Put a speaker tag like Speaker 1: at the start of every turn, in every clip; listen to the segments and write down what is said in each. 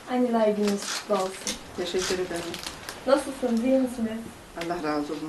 Speaker 1: Anneler gününüz kutlu olsun.
Speaker 2: Teşekkür ederim.
Speaker 1: Nasılsınız, iyi misiniz?
Speaker 2: Allah razı olsun.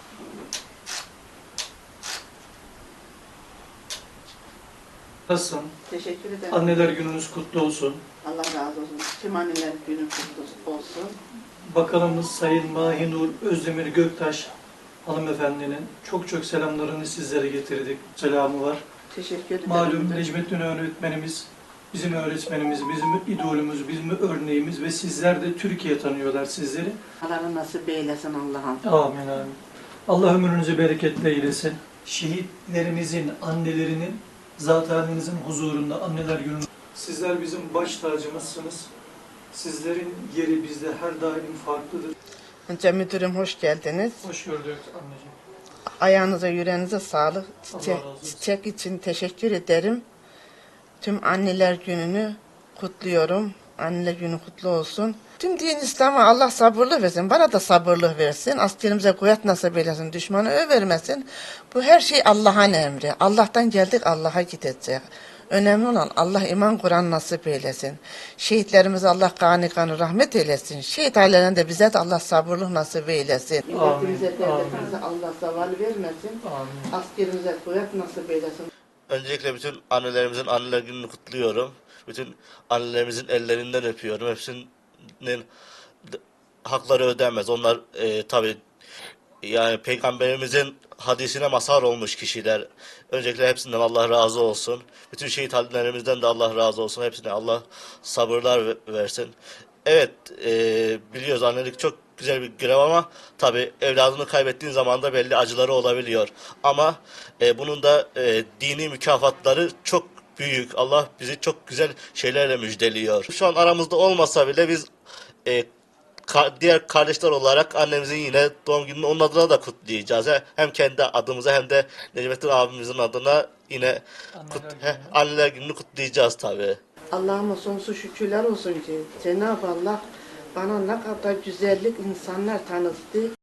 Speaker 3: Nasılsın?
Speaker 2: Teşekkür ederim.
Speaker 3: Anneler gününüz kutlu olsun.
Speaker 2: Allah razı olsun. Tüm anneler günü kutlu olsun.
Speaker 3: Bakanımız Sayın Mahinur Özdemir Göktaş hanımefendinin çok çok selamlarını sizlere getirdik. Selamı var.
Speaker 2: Teşekkür ederim.
Speaker 3: Malum Necmettin öğretmenimiz, bizim öğretmenimiz, bizim idolümüz, bizim örneğimiz ve sizler de Türkiye tanıyorlar sizleri.
Speaker 2: Allah nasip eylesin Allah'ım.
Speaker 3: Amin amin. Allah ömrünüzü bereketle eylesin. Şehitlerimizin, annelerinin, zatenimizin huzurunda anneler günü. Sizler bizim baş tacımızsınız. Sizlerin yeri bizde her daim farklıdır.
Speaker 4: Önce müdürüm hoş geldiniz.
Speaker 3: Hoş gördük anneciğim.
Speaker 4: Ayağınıza yüreğinize sağlık.
Speaker 3: Allah razı olsun.
Speaker 4: Çiçek için teşekkür ederim. Tüm anneler gününü kutluyorum. Anneler günü kutlu olsun. Tüm din İslam'a Allah sabırlı versin. Bana da sabırlı versin. Askerimize kuvvet nasip eylesin. Düşmanı övermesin. Bu her şey Allah'ın emri. Allah'tan geldik, Allah'a gidecek. Önemli olan Allah iman Kur'an nasip eylesin. Şehitlerimize Allah gani gani rahmet eylesin. Şehit ailelerine de bize de Allah sabırlık nasip eylesin. Milletimize, devletimize Allah zaval vermesin.
Speaker 3: Amin.
Speaker 4: Askerimize kuvvet nasip eylesin.
Speaker 5: Öncelikle bütün annelerimizin anneler gününü kutluyorum. Bütün annelerimizin ellerinden öpüyorum. Hepsinin hakları ödenmez. Onlar tabii yani Peygamberimizin hadisine mazhar olmuş kişiler. Öncelikle hepsinden Allah razı olsun. Bütün şehit annelerimizden de Allah razı olsun. Hepsine Allah sabırlar versin. Evet, biliyoruz annelik çok güzel bir görev ama tabii evladını kaybettiğin zaman da belli acıları olabiliyor. Ama bunun da dini mükafatları çok büyük. Allah bizi çok güzel şeylerle müjdeliyor. Şu an aramızda olmasa bile biz diğer kardeşler olarak annemizin yine doğum gününü onun adına da kutlayacağız. Hem kendi adımıza hem de Necmettin abimizin adına yine anneler gününü kutlayacağız tabii.
Speaker 4: Allah'ıma sonsuz şükürler olsun ki Cenab-ı Allah bana ne kadar güzellik insanlar tanıttı.